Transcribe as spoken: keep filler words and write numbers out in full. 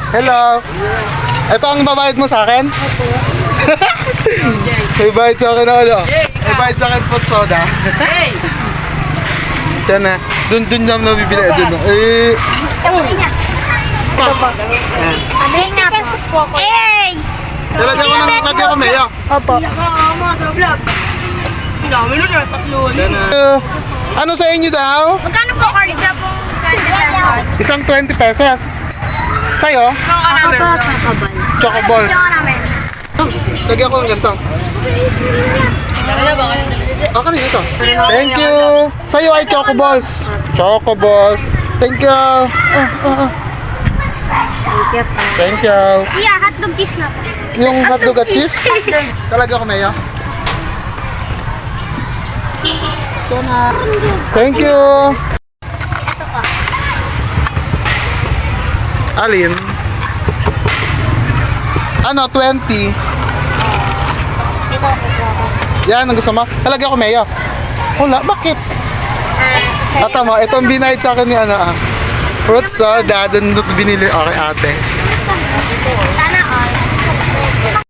Hello. Ito ang babayad mo sa akin? May bayad sa akin ako, no? May bayad sa akin pot soda. Diyan na. Dun, dun niya nabibili. Dun, no? Eh. Sabi nga po. Eh! Talaga ko ng kati ako, Maya. Opo. Diyan na. Uh, ano sa inyo daw? Magkano po card? Isa po twenty pesos. Isang twenty pesos. Sa'yo? Ako po, kakabal. Choco balls. Ako namin. Lagyan ko ng ganito. Ah, kanina ito. Thank you. Sa'yo ay choco balls. Choco balls. Thank you. Ah, ah, ah. Thank you po. Thank you. Yeah, hotdog cheese na po. Yung hotdog at cheese? Talaga ko, Maya. Ito na. Thank you. Alin? Ano, twenty? Ito po po ako. Yan, ang gusto mo? Talaga ko, Maya. Wala, bakit? Ata mo, itong binayad sa akin ni ano ah. Fruit soda, doon binili. Okay, ate. Sana all.